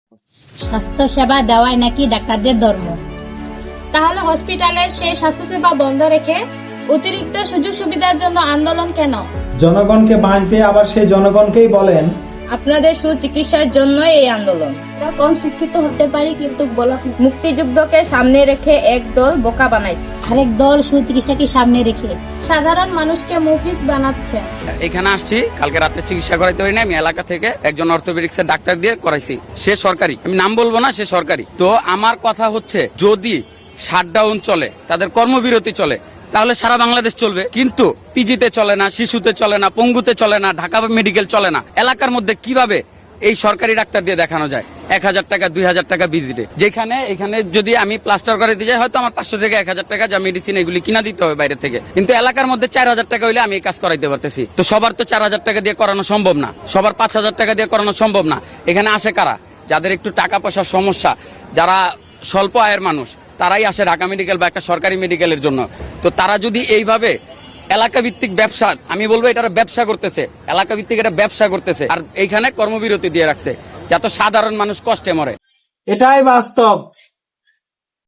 স্বাস্থ্য সেবা দেওয়াই নাকি ডাক্তারদের ধর্ম। তাহলে হসপিটালের সেই স্বাস্থ্যসেবা বন্ধ রেখে অতিরিক্ত সুযোগ সুবিধার জন্য আন্দোলন কেন? জনগণকে বাঁশ দিয়ে আবার সেই জনগণকেই বলেন আপনাদের সুচিকিৎসার জন্যই এই আন্দোলন। আমরা কম শিক্ষিত হতে পারি, কিন্তু মুক্তিযুদ্ধকে সামনে রেখে এক দল বোকা বানায়, আরেক দল সুচিকিৎসাকে সামনে রেখে সাধারণ মানুষকে মুফিদ বানাচ্ছে। এখানে আসছি, কালকে রাতে চিকিৎসা করাইতে পারি না, আমি এলাকা থেকে একজন অর্থোপেডিক্সের ডাক্তার দিয়ে করাইছি। সে সরকারি, আমি নাম বলবো না, সে সরকারি। তো আমার কথা হচ্ছে, যদি শাটডাউন চলে, তাদের কর্মবিরতি চলে, তাহলে সারা বাংলাদেশ চলবে। কিন্তু পিজিতে চলে না, শিশুতে চলে না, পঙ্গুতে চলে না, ঢাকা মেডিকেল চলে না। এলাকার মধ্যে কিভাবে এই সরকারি ডাক্তার দিয়ে দেখানো যায় 1,000 টাকা 2,000 টাকা ভিজিটে? যেখানে এখানে যদি আমি প্লাস্টার করাইতে যাই, হয়তো আমার 500 থেকে 1,000 টাকা যা মেডিসিন এগুলি কিনা দিতে হবে বাইরে থেকে। কিন্তু এলাকার মধ্যে 4,000 টাকা হইলে আমি এই কাজ করাইতে পারতেছি। তো সবার তো 4,000 টাকা দিয়ে করানো সম্ভব না, সবার 5,000 টাকা দিয়ে করানো সম্ভব না। এখানে আসে কারা? যাদের একটু টাকা পয়সার সমস্যা, যারা স্বল্প আয়ের মানুষ, তারাই আসে ঢাকা মেডিকেল বা একটা সরকারি মেডিকেলের জন্য। তো তারা যদি এইভাবে এলাকা ভিত্তিক ব্যবসা, আমি বলবো এটা ব্যবসা করতেছে, এলাকা ভিত্তিক এটা ব্যবসা করতেছে, আর এইখানে কর্মবিরতি দিয়ে রাখছে, যাতে সাধারণ মানুষ কষ্টে মরে। এটাই বাস্তব।